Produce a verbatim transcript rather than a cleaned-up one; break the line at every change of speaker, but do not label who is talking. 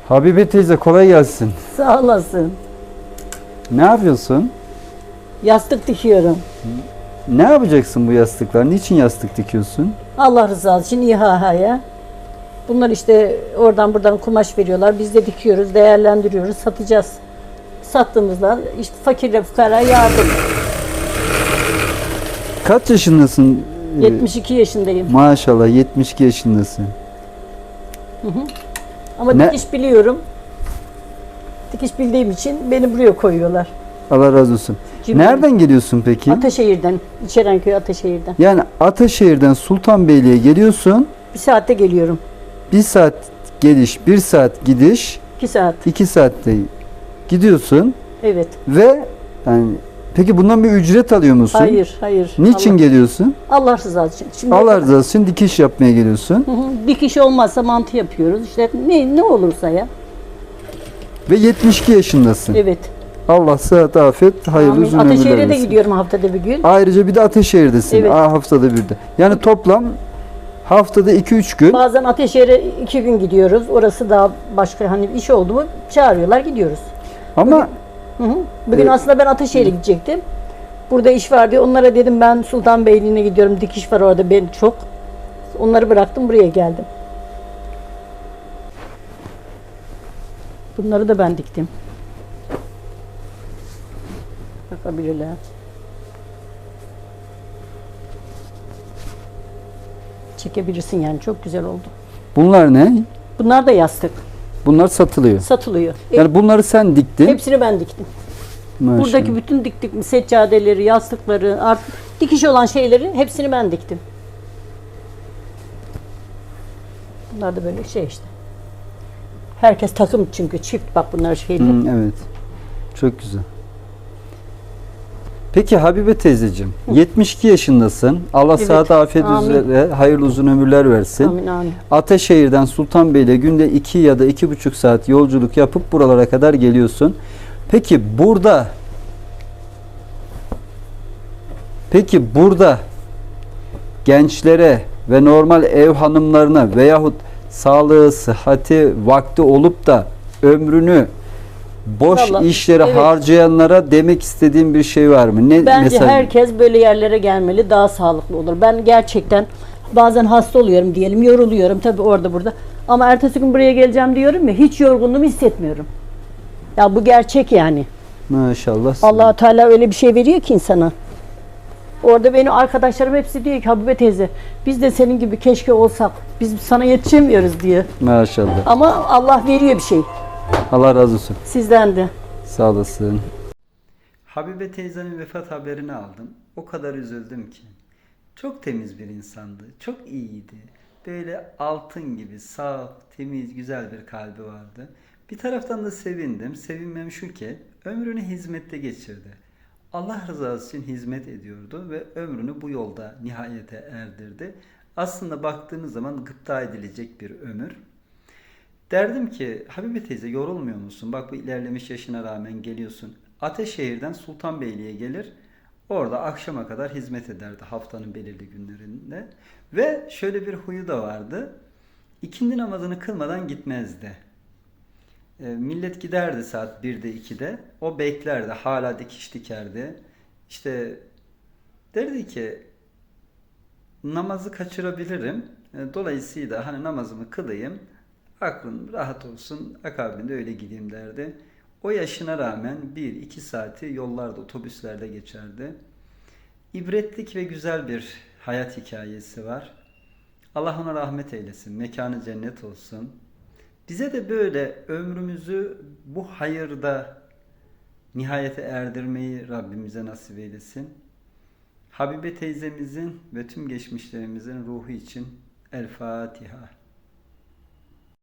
Habibe teyze kolay gelsin.
Sağ olasın.
Ne yapıyorsun?
Yastık dikiyorum.
Ne yapacaksın bu yastıklar? Niçin yastık dikiyorsun?
Allah rızası için İHA'ya. Bunlar işte oradan buradan kumaş veriyorlar. Biz de dikiyoruz, değerlendiriyoruz, satacağız. Sattığımızda işte fakirle fukara yardım.
Kaç yaşındasın? Ee,
yetmiş iki yaşındayım.
Maşallah yetmiş iki yaşındasın.
Ama
Ne?
dikiş biliyorum. Dikiş bildiğim için beni buraya koyuyorlar.
Allah razı olsun.
Cimri.
Nereden geliyorsun peki?
Ataşehir'den, İçerenköy Ataşehir'den.
Yani Ataşehir'den Sultanbeyli'ye geliyorsun.
Bir saatte geliyorum.
Bir saat geliş, bir saat gidiş,
İki saat.
iki saatte gidiyorsun
Evet.
ve yani peki bundan bir ücret alıyor musun?
Hayır, hayır.
Niçin
Allah,
geliyorsun?
Allah rızası için. Şimdi
Allah rızası için dikiş yapmaya geliyorsun.
Hı hı. Dikiş olmazsa mantı yapıyoruz. İşte ne ne olursa ya.
Ve yetmiş iki yaşındasın.
Evet.
Allah sıhhat, afiyet, hayırlı
Amin.
uzun ömürler
Ataşehir'e de
versin.
gidiyorum haftada bir gün.
Ayrıca bir de Ataşehir'desin.
Evet.
Aa, haftada bir de. Yani toplam haftada iki üç gün.
Bazen Ataşehir'e iki gün gidiyoruz. Orası daha başka hani iş oldu mu çağırıyorlar gidiyoruz.
Ama
Hı hı. Bugün
Evet.
aslında ben Ataşehir'e gidecektim. Burada iş var diye onlara dedim ben Sultanbeyli'ne gidiyorum. Dikiş var orada ben çok. Onları bıraktım buraya geldim. Bunları da ben diktim. Bakabilirler. Çekebilirsin yani çok güzel oldu.
bunlar ne?
Bunlar da yastık.
Bunlar satılıyor.
Satılıyor. E,
Yani bunları sen diktin.
hepsini ben diktim.
Maşallah.
Buradaki bütün diktik seccadeleri, yastıkları, artık dikiş olan şeyleri hepsini ben diktim. Bunlar da böyle şey işte. Herkes takım çünkü çift bak bunlar şeyler.
Hı, evet. Çok güzel. Peki Habibe teyzeciğim, yetmiş iki yaşındasın. Allah
Evet.
sıhhat, afiyet
Amin.
üzere hayırlı uzun ömürler versin.
Amin amin.
Ataşehir'den Sultanbeyli'ye günde iki ya da iki buçuk saat yolculuk yapıp buralara kadar geliyorsun. Peki burada Peki burada gençlere ve normal ev hanımlarına veyahut sağlığı, sıhhati, vakti olup da ömrünü boş
Vallahi,
işlere
evet.
harcayanlara demek istediğim bir şey var mı? Ne
Bence
mesaj?
herkes böyle yerlere gelmeli, daha sağlıklı olur. Ben gerçekten bazen hasta oluyorum diyelim, yoruluyorum tabii orada burada. Ama ertesi gün buraya geleceğim diyorum ya, hiç yorgunluğumu hissetmiyorum. Ya bu gerçek yani.
Maşallah.
Allah Teala öyle bir şey veriyor ki insana. Orada benim arkadaşlarım hepsi diyor ki Habibe teyze biz de senin gibi keşke olsak. Biz sana yetişemiyoruz diyor.
Maşallah.
Ama Allah veriyor bir şey.
Allah razı olsun.
Sizden de.
Sağ olasın. Habibe teyzenin vefat haberini aldım. O kadar üzüldüm ki. Çok temiz bir insandı. Çok iyiydi. Böyle altın gibi saf, temiz, güzel bir kalbi vardı. Bir taraftan da sevindim. Sevinmem şu ki ömrünü hizmette geçirdi. Allah rızası için hizmet ediyordu ve ömrünü bu yolda nihayete erdirdi. Aslında baktığınız zaman gıpta edilecek bir ömür. Derdim ki Habibe teyze yorulmuyor musun? Bak bu ilerlemiş yaşına rağmen geliyorsun. Ataşehir'den Sultanbeyli'ye gelir. Orada akşama kadar hizmet ederdi haftanın belirli günlerinde. Ve şöyle bir huyu da vardı. İkindi namazını kılmadan gitmezdi. E, millet giderdi saat birde ikide. O beklerdi. Hala dikiş dikerdi. İşte derdi ki namazı kaçırabilirim. E, dolayısıyla hani namazımı kılayım. Aklım rahat olsun, akabinde öyle gideyim derdi. O yaşına rağmen bir iki saati yollarda, otobüslerde geçerdi. İbretlik ve güzel bir hayat hikayesi var. Allah ona rahmet eylesin, mekanı cennet olsun. Bize de böyle ömrümüzü bu hayırda nihayete erdirmeyi Rabbimize nasip eylesin. Habibe teyzemizin ve tüm geçmişlerimizin ruhu için El Fatiha.